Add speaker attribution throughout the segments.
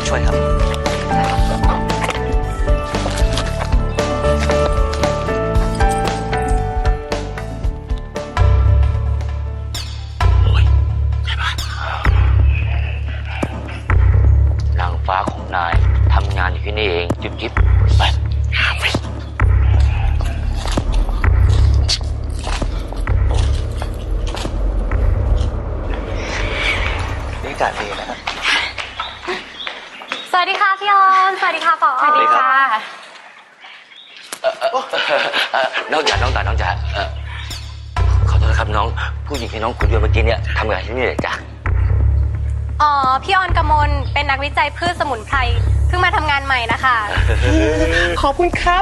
Speaker 1: ช่วยครับนางฟ้าของนายทำงานอยู่ที่นี่เองจิ๊บจิ๊บไปนี่อากาศดีนะครับ
Speaker 2: สวัสดีค่ะพี่ออนสวัสดีค่ะปอสวัสดีค่ะ
Speaker 1: น้องจ๋าขอโทษนะครับน้องผู้หญิงที่น้องคุยด้วยเมื่อกี้เนี่ยทำงานที่นี่เลยจ้ะ
Speaker 2: อ๋อพี่ออนกมลเป็นนักวิจัยพืชสมุนไพรเพิ่งมาทำงานใหม่นะคะ
Speaker 3: ขอบคุณครับ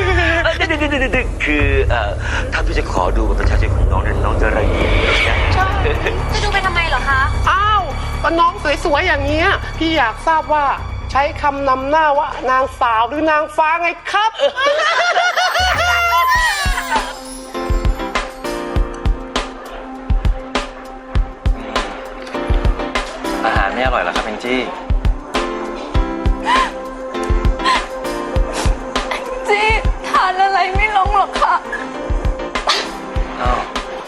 Speaker 1: คือถ้าพี่จะขอดูบัตรประชาชนของน้องเนี่ยน้องจะระเกียจนะ
Speaker 2: จะดูไปทำไมเหรอคะ
Speaker 3: อ้าวก็น้องสวยๆอย่างเงี้ยพี่อยากทราบว่าใช้คำนำหน้าว่านางสาวหรือนางฟ้าไงครับ
Speaker 1: อาหารไม่อร่อยเหรอครับแองจี้
Speaker 2: จี้ทานอะไรไม่ลงหรอกค่ะ
Speaker 1: อ้าว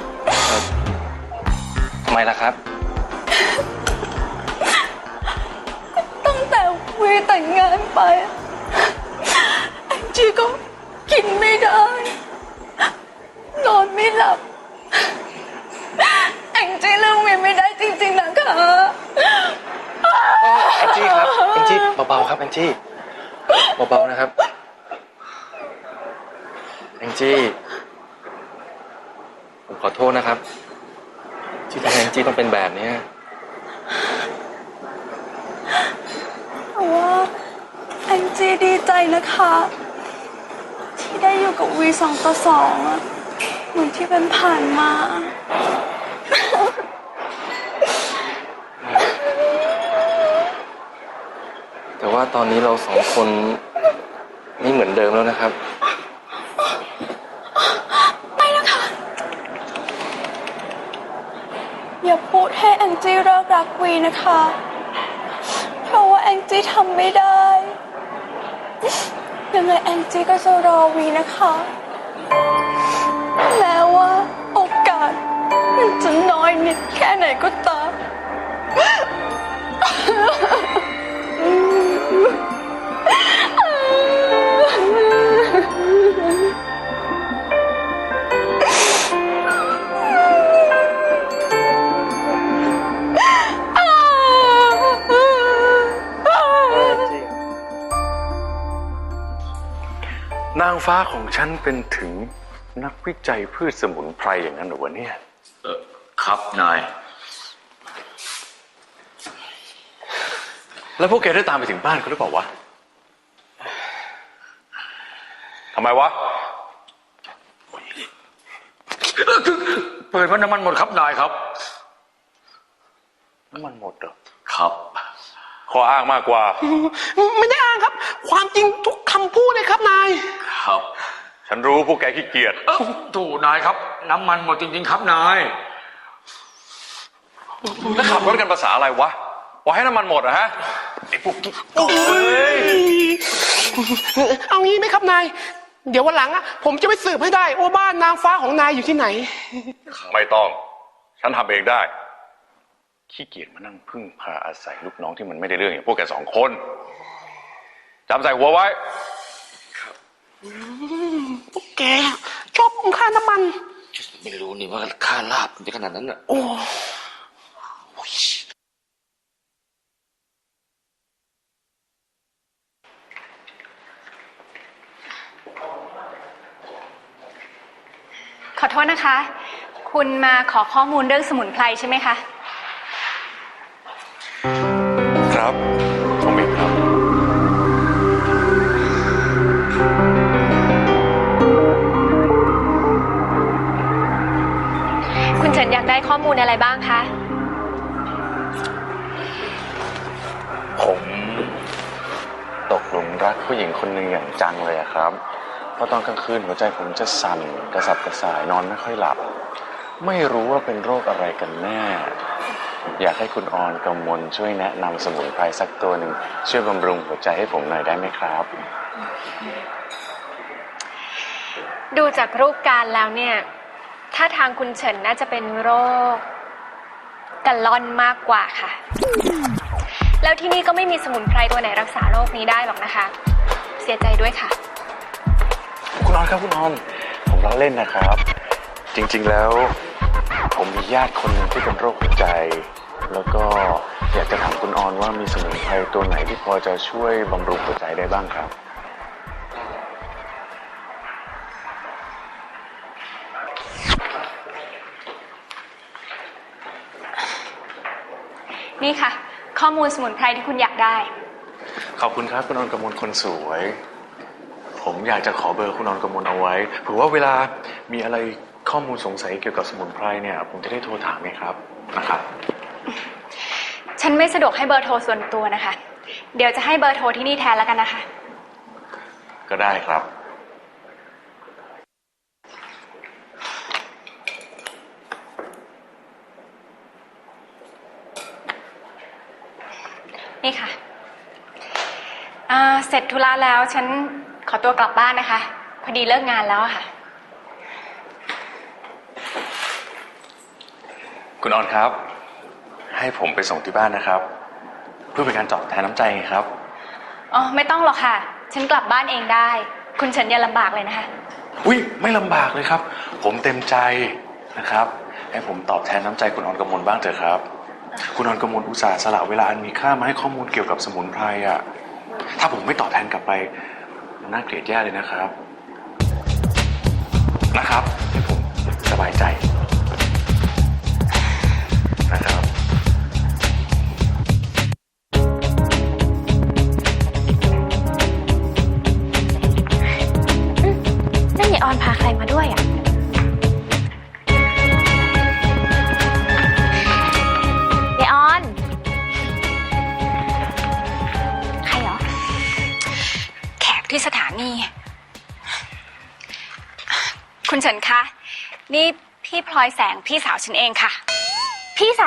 Speaker 1: ทำไมล่ะครับ
Speaker 2: ตั้งแต่วีแต่งงานไปแองจี้ก็กินไม่ได้นอนไม่หลับแองจี้เรื่องวีไม่ได้จริงๆนะคะ
Speaker 1: แองจี้ครับแองจี้เบาๆครับแองจี้เบาๆนะครับแองจี้ผมขอโทษนะครับที่ทำให้แองจี้ต้องเป็นแบบนี้
Speaker 2: แต่ว่าแองจี้ดีใจนะคะที่ได้อยู่กับวี2-2อะเหมือนที่เป็นผ่านมา
Speaker 1: แต่ว่าตอนนี้เรา2 คนไม่เหมือนเดิมแล้วนะครับ
Speaker 2: ไม่นะคะอย่าพูดให้แองจี้เลิกรักวีนะคะเพราะว่าแองจี้ทำไม่ได้ยังไงแองจี้ก็จะรอวีนะคะแม้ว่าโอกาสมันจะน้อยนิดแค่ไหนก็ตาม
Speaker 4: นางฟ้าของฉันเป็นถึงนักวิจัยพืชสมุนไพรอย่างนั้นเหรอวะเนี่ย
Speaker 1: ครับนาย
Speaker 4: แล้วพวกแกได้ตามไปถึงบ้านเขาหรือเปล่าวะทำไมวะ
Speaker 1: เปิดว่าน้ำมันหมดครับนายครับ
Speaker 4: น้ำมันหมดเหรอ
Speaker 1: ครับ
Speaker 4: ข้ออ้างมากกว่า
Speaker 3: ไม่ได้อ้างครับความจริงทุกคำพูดเลยครับนาย
Speaker 1: ครับ
Speaker 4: ฉันรู้พวกแกขี้เกียจ
Speaker 1: ถูกนายครับน้ำมันหมดจริงๆครับนาย
Speaker 4: แล้วขับรถกันภาษาอะไรวะว่าให้น้ำมันหมดอะฮะไอ้พวกกิ๊ก
Speaker 3: เอางี้ไหมครับนายเดี๋ยววันหลังอะผมจะไปสืบให้ได้ว่าบ้านนางฟ้าของนายอยู่ที่ไหน
Speaker 4: ไม่ต้องฉันทำเองได้ขี้เกียจมานั่งพึ่งพาอาศัยลูกน้องที่มันไม่ได้เรื่องอย่างพวกแก2 คนจำใส่หัวไว้
Speaker 3: พวกแกชอบคุ้มค่าน้ำมัน
Speaker 1: ไม่รู้นี่ว่าค่าลาบมันจะขนาดนั้นอ่ะ
Speaker 3: โอ้
Speaker 2: ขอโทษนะคะคุณมาขอข้อมูลเรื่องสมุนไพรใช่ไหมคะ
Speaker 4: ครับผมเองครับ
Speaker 2: คุณเฉินอยากได้ข้อมูลอะไรบ้างคะ
Speaker 4: ผมตกหลุมรักผู้หญิงคนหนึ่งอย่างจังเลยครับเพราะตอนกลางคืนหัวใจผมจะสั่นกระสับกระส่ายนอนไม่ค่อยหลับไม่รู้ว่าเป็นโรคอะไรกันแน่
Speaker 5: อยากให้คุณออนกมลช่วยแนะนำสมุนไพรสักตัวหนึ่งช่วยบำรุงหัวใจให้ผมหน่อยได้ไหมครับ
Speaker 6: ดูจากรูปการแล้วเนี่ยถ้าทางคุณเฉินน่าจะเป็นโรคกะล่อนมากกว่าค่ะ แล้วที่นี่ก็ไม่มีสมุนไพรตัวไหนรักษาโรคนี้ได้หรอกนะคะ เสียใจด้วยค่ะ
Speaker 5: คุณออนครับคุณออนผมล้อเล่นนะครับ จริงๆแล้วผมมีญาติคนหนึ่งที่เป็นโรคหัวใจ แล้วก็อยากจะถามคุณออนว่ามีสมุนไพรตัวไหนที่พอจะช่วยบำรุงหัวใจได้บ้างครับ
Speaker 6: นี่ค่ะ ข้อมูลสมุนไพรที่คุณอยากได้
Speaker 5: ขอบคุณครับคุณออนกมลคนสวย ผมอยากจะขอเบอร์คุณออนกมลเอาไว้เผื่อว่าเวลามีอะไรข้อมูลสงสัยเกี่ยวกับสมุนไพรเนี่ยผมจะได้โทรถามไงครับนะครับ
Speaker 6: ฉันไม่สะดวกให้เบอร์โทรส่วนตัวนะคะ เดี๋ยวจะให้เบอร์โทรที่นี่แทนแล้วกันนะคะ
Speaker 5: ก็ได้ครับ
Speaker 6: นี่ค่ะเสร็จธุระแล้วฉันขอตัวกลับบ้านนะคะ พอดีเลิกงานแล้วอะค่ะ
Speaker 5: คุณออนครับ ให้ผมไปส่งที่บ้านนะครับ เพื่อเป็นการตอบแทนน้ำใจไงครับ
Speaker 6: อ๋อไม่ต้องหรอกค่ะ ฉันกลับบ้านเองได้ คุณเฉินอย่าลำบากเลยนะคะ
Speaker 5: อุ้ยไม่ลำบากเลยครับ ผมเต็มใจนะครับให้ผมตอบแทนน้ำใจคุณออนกมลบ้างเถอะครับ คุณออนกมลอุตส่าห์สละเวลาอันมีค่ามาให้ข้อมูลเกี่ยวกับสมุนไพรอ่ะถ้าผมไม่ตอบแทนกลับไปมันน่าเกลียดแย่เลยนะครับให้ผมสบายใจนะครับ
Speaker 6: นั่นยายออนพาใครมาด้วยอ่ะยายออน ใครเหรอ แขกที่สถานี คุณเฉินคะ นี่พี่พลอยแสงพี่สาวฉันเองค่ะ พี่สาว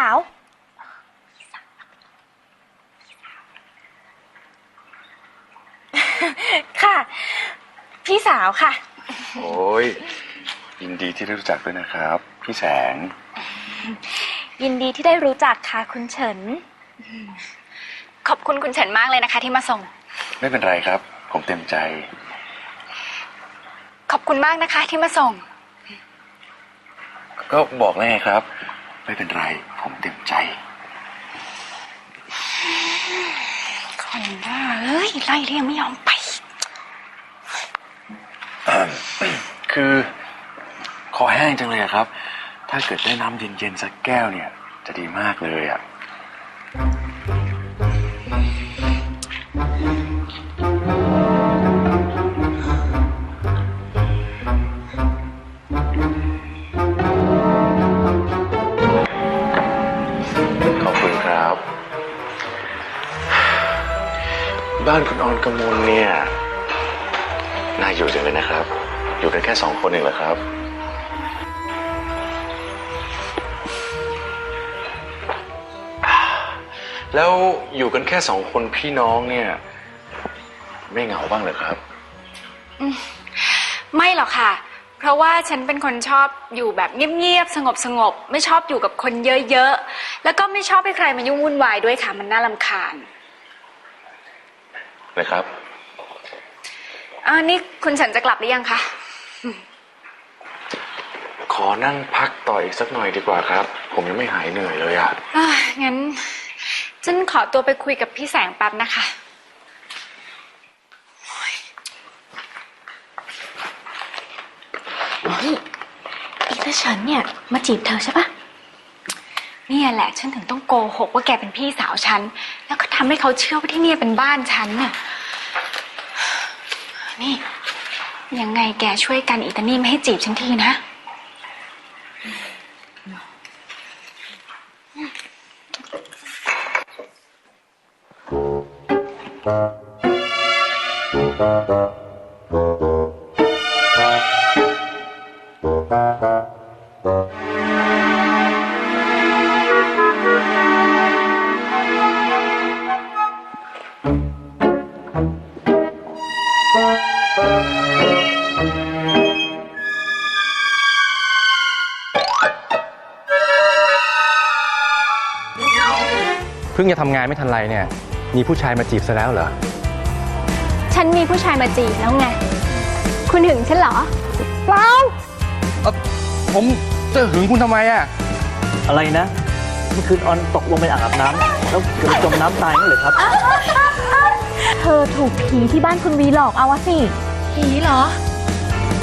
Speaker 6: ค่ะ พี่สาวค่ะ
Speaker 5: โอ้ยยินดีที่ได้รู้จักด้วยนะครับพี่แสง
Speaker 6: ยินดีที่ได้รู้จักค่ะคุณเฉิน ขอบคุณคุณเฉินมากเลยนะคะที่มาส่ง
Speaker 5: ไม่เป็นไรครับ ผมเต็มใจ
Speaker 6: ขอบคุณมากนะคะที่มาส่ง
Speaker 5: ก็บอกแล้วไงครับ ไม่เป็นไร ผมเต็มใจ
Speaker 6: คนบ้าเอ้ยไล่เรียงไม่ยอมไป
Speaker 5: คือคอแห้งจังเลยอะครับ ถ้าเกิดได้น้ำเย็นๆสักแก้วเนี่ย จะดีมากเลยอะขอบคุณครับ บ้านคุณออนกมลเนี่ยน่าอยู่จังเลยนะครับ อยู่กันแค่2 คนเองเหรอครับ แล้วอยู่กันแค่2 คนพี่น้องเนี่ยไม่เหงาบ้างเหรอครับ
Speaker 6: ไม่หรอกค่ะ เพราะว่าฉันเป็นคนชอบอยู่แบบเงียบๆสงบไม่ชอบอยู่กับคนเยอะๆแล้วก็ไม่ชอบให้ใครมายุ่งวุ่นวายด้วยค่ะมันน่ารำคาญ
Speaker 5: นะครับ
Speaker 6: นี่คุณเฉินจะกลับหรือยังคะ
Speaker 5: ขอนั่งพักต่ออีกสักหน่อยดีกว่าครับ ผมยังไม่หายเหนื่อยเลยอะ
Speaker 6: งั้นฉันขอตัวไปคุยกับพี่แสงแป๊บนะคะ
Speaker 7: นี่อีตาเฉินเนี่ยมาจีบเธอใช่ปะ
Speaker 6: เนี่ยแหละฉันถึงต้องโกหกว่าแกเป็นพี่สาวฉันแล้วก็ทำให้เขาเชื่อว่าที่นี่เป็นบ้านฉันน่ะนี่ยังไงแกช่วยกันอีตานี่ไม่ให้จีบฉันทีนะ
Speaker 7: เ
Speaker 1: เพิ่งจะทำงานไม่ทันไรเนี่ย มีผู้ชายมาจีบซะแล้วเหรอ
Speaker 6: ฉันมีผู้ชายมาจีบแล้วไง คุณหึงฉันเหรอ
Speaker 1: เปล่าผมจะหึงคุณทำไมอ่ะ
Speaker 8: อะไรนะ เมื่อคืนออนตกลงไปอาบน้ำแล้วเกิดจมน้ำตายนั่นเลยครับ
Speaker 7: เธอถูกผีที่บ้านคุณวีหลอกเอาวะสิ
Speaker 2: ผีเหรอ